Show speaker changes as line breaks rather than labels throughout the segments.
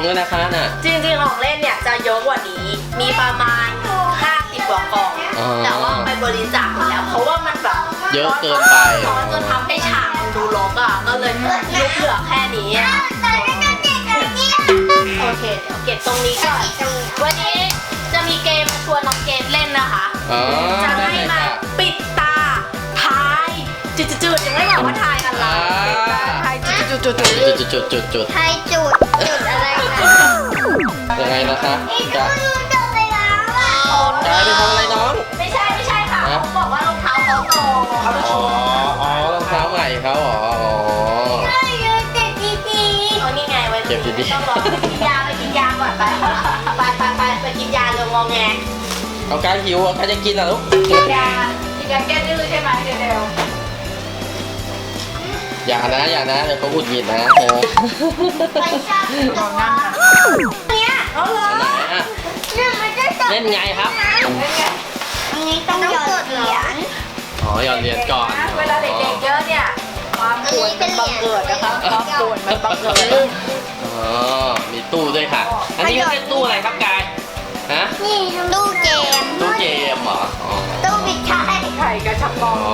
ด้วยนะคะน่ะ
จริงๆของเล่นเนี่ยจะเยอะกว่านี้มีประมาณ50 กว่ากล่องแต่ว่าไปบริจาคแล้วเพราะว่ามันแบบ
เยอะเกินไป
ร้อนจนทำให้ฉากมันดูรกอ่ะก็เลยยุบเหลือแค่นี้โอเคเดี๋ยวเก็บตรงนี้ก่อนวันนี้จะมีเกมชวนน้องเกมเล่นนะคะจะให้มาปิดตาทายจุดๆยังไม่บอกว่าทายอะไรทายจุด
ไทยจุดอะไรนะ
ยังไงนะคะจะไปทำอะไรน้อง
ไม่ใช่ค่ะเขาบอกว่ารองเท้าเขาโต
อ๋อรองเท้าใหม่เขาอ๋อ
นี่ไงไว้ต้องรอไปกินยาก่อนไปกินยาเร็วงอแง
เอาการหิวใครจะกินอ่ะลูก
กินยาแก้ดื้อใช่ไหมเร็ว
อย่านะเดี๋ยวเขาอุดหงิดนะ
ไปชอบตัว
เนี่ยเอาเลย
เล่นไงครับ
อันนี้ต้องหยอดเหรียญ
อ๋อหยอดเหรียญก่อน
เวลาเด็กๆเยอะเนี่ยความปวดมันบังเกิดนะคะความปวดมันบังเกิด
อ๋อมีตู้ด้วยค่ะอันนี้เรียกตู้อะไรครับกายฮะ
นี่ตู้เกม
เหรอ
ตู้บิดไข่
กระชับกอง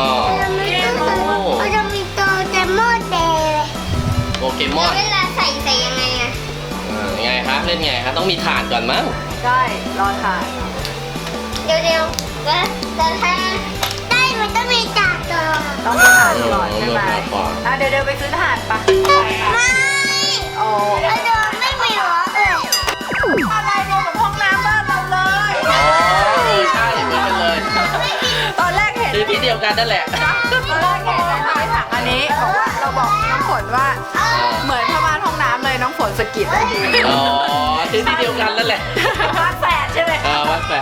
มันจะมีตัวเกมมอนเดย์
โปเกมอน
เวลาใส่ยังไงอะ
ยังไงครับเล่นไงครับต้องมีถ่านก่อนมั้ง
ใช่รอถ่าน
เดี๋ยวแต่ถ้าได้มันต้องมีจ่าตัว
ต้องมีถ่านก่อนใช่ไหมเดี๋ยวไปซื้อถ่านปะ
ไม่
โอ้
ไม่มีหรอ
อะไรรวมกับห้องน้ำบ้านเราเลย
ใช่เหมือนกันเลย
ตอนแรกเห็น
ที่เดียวกันนั่นแหละ
ตอนแรกเห็นในถังอันนี้บอกว่าเราบอกน้องฝนว่าเหมือนผ้าม่านห้องน้ำเลยน้องฝนสกิดได้ดี
อ๋อที่เดียวกันนั่นแหละ
วัดแฝดใช่ไหม
วัดแฝด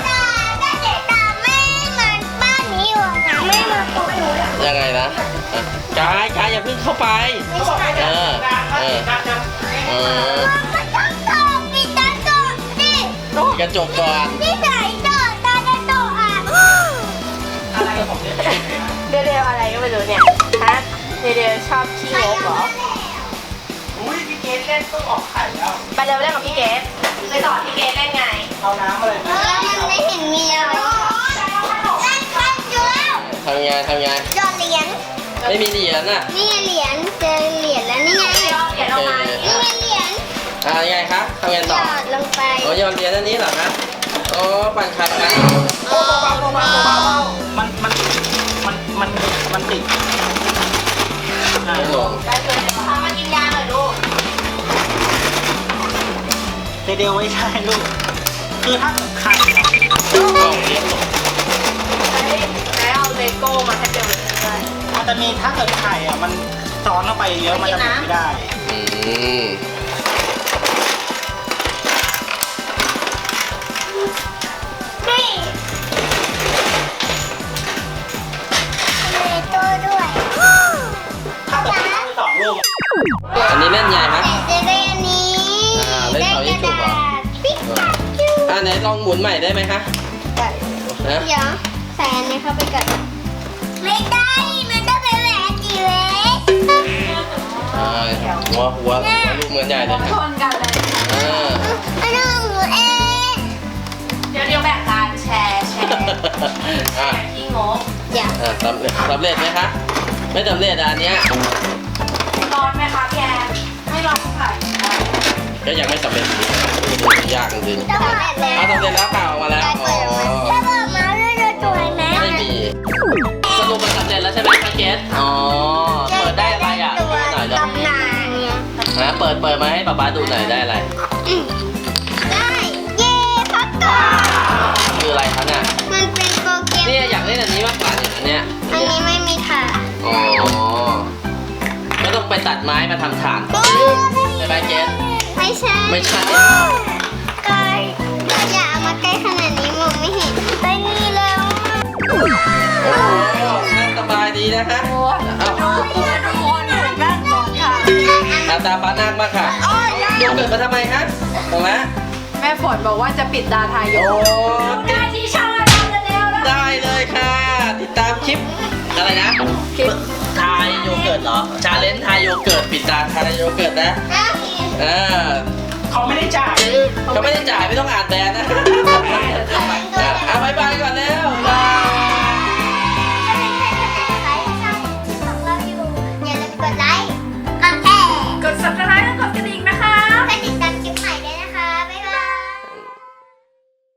ยังไงนะกายอย่าเพิ่งเข้าไปกระจกก่อน
ที่ไหนโตตากระจกอ่ะ
อะไรของเดวอะไรก็ไม่รู้เนี่ยฮะเดวชอบขี้งกเหรอ
อุ้ยพี่เกดเล่นต้องออกไข่แล้ว
ไปเร็วเล่นกับพี่เกดไปสอนพี่เกดเล่นไง
เอาน้ำอะไร
แล้วมันไม่เห็นมีอะไรเล่นคันอยู่แล้ว
ทำไง
หยอดเหรียญ
ไม่มีเหรียญน่ะ
นี่เหรียญเจอเหรียญแล้วนี่ไง
เหรียญออกมา
นี่เหรียญ
ยังไงครับทำไงต่อ
หยอดลงไป
หยอดเหรียญอันนี้เหรอครับปั่นไข่กัน
มันติด
ไม่ลง
มากินยาหน่อยลูก
เดี๋ยวไว้ใช่ลูกคือถ้าไข่
เลี้ยงลง
แล้วเอาเลโก้มาให้เดี๋ยวเลย
มันจะมีถ้าเกิดไข่มันซ้อนเข้าไปเยอะมันจะไม่ได้
อันนี้เล่นใหญ่ไหม
เล่นอันนี้
เล่นเสายิงฉุบเหรอไหนลองหมุนใหม่ได้ไหมคะ
เดี๋ยวใส่อันนี้เข้าไปก่อนไม่ได้มันต้องเป็นแหวนจีเล็ก
หัวลูกเหมือนใหญ่เลย
ชนกันเลย
ไม่ต้องหนูเอง
เดี๋ยวแบ่งการแชร์ที่งก
สำเร็จไหมคะไม่สำเร็จอันเนี้ย
ร้อนไหมคะพี่แอนไม่ร้อนเท่าไหร่
ก็ยังไม่สำเร็จยากจริง
สำเร็จ
แล้วเปล่ามาแล้ว
ถ้าบอกมาเรื่อยๆตัวไหม
ไม่มีสรุปมันสำเร็จแล้วใช่ไหมพี่เกสเปิดได้อะไรอ่ะดูหน่อยเลยเปิดมาให้ป๊าดูหน่อยได้อะไร
ได้เย่พักก่อน
คืออะไรคะเนี่ย
มันเป็นโปรแกรม
นี่อยากเล่นอันนี้มากกว่าเนี่ย
อันนี้ไม่มีถ่าน
ก็ต้องไปตัดไม้มาทำถ่านใช่ไหมเกส
ไม่ใช่ใกล้อย่าเอามาใกล้ขนาดนี้มองไม่เห็นไปนี่แล้ว
นั่งสบายดีนะคะ
ทุกคนนั่งก่อนค่ะ
ตาฟ้านั่งมาค่ะดูเกิดมาทำไมคะตรงนั้น
แม่ฝนบอกว่าจะปิดตาทายโยได้ที่ช่องเราแล้ว
ได้เลยค่ะติดตามคลิปอะไรนะทายโยเกิร์ตเหรอชาเลนจ์ทายโยเกิร์ตปิดตาทายโยเกิร์ตนะ
เขาไม่ได้จ่าย
เขาไม่ได้จ่ายไม่ต้องอ่านแบรนด์นะเอาบายบายก่อนแล้วบาย
ถ้าเป็นใครคนไหนนะคะที่ชอบคลิปของเราอยู่อย่าลืมกดไลค์